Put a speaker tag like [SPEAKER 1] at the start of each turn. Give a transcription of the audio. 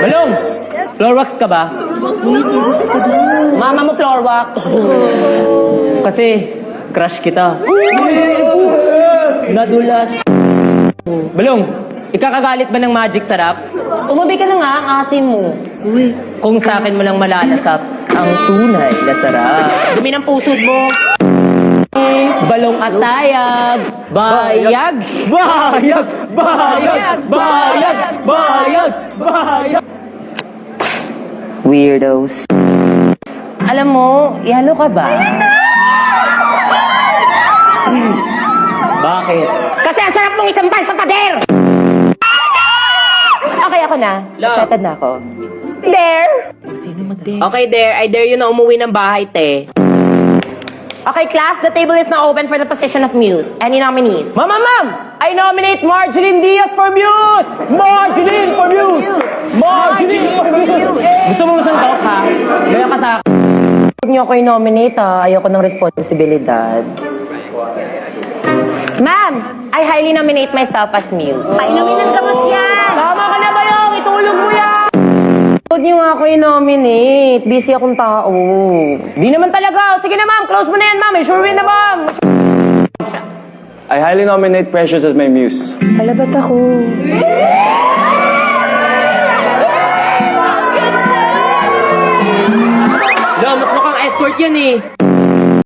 [SPEAKER 1] Balong! Floor wax ka ba?
[SPEAKER 2] Mama mo floor wax.
[SPEAKER 1] Kasi, crush kita. Nadulas. Balong, ikakagalit ba ng magic sarap?
[SPEAKER 2] Umabi ka na nga, ang asin mo.
[SPEAKER 1] Kung sa akin mo lang malalasap ang tunay na sarap.
[SPEAKER 2] Dumi ng pusod mo.
[SPEAKER 1] Balong at tayag, bayag, bayag, bayag, bayag, bayag, bayag. Weirdos.
[SPEAKER 2] Alam mo, ihalo ka ba?
[SPEAKER 1] Bakit?
[SPEAKER 2] Kasi ang sarap mong isampal sa pader! Okay, ako na.
[SPEAKER 1] Love.
[SPEAKER 2] Excited na ako. There!
[SPEAKER 1] Okay, there. I dare you na umuwi ng bahay, te.
[SPEAKER 2] Okay, class, the table is now open for the position of muse. Any nominees?
[SPEAKER 1] Ma'am! I nominate Marjeline Diaz for Muse! Marjeline for Muse! Marjeline for Muse! Gusto mo masuntok, ha? Gaya ka sa akin.
[SPEAKER 2] Huwag niyo ako i-nominate, ha? Ayoko ng responsibilidad. Ma'am, I highly nominate myself as muse.
[SPEAKER 3] Painumin ng gamot yan!
[SPEAKER 2] Tama ka na ba yung? Itulog mo yan! Huwag niyo nga ako i-nominate. Busy akong tao. Di naman talaga. Sige na, ma'am. Close mo na yan, ma'am. Sure win na, ma'am.
[SPEAKER 4] I highly nominate Precious as my muse.
[SPEAKER 2] Hala, ba't ako?
[SPEAKER 1] Lo, mas mukhang escort yan, eh.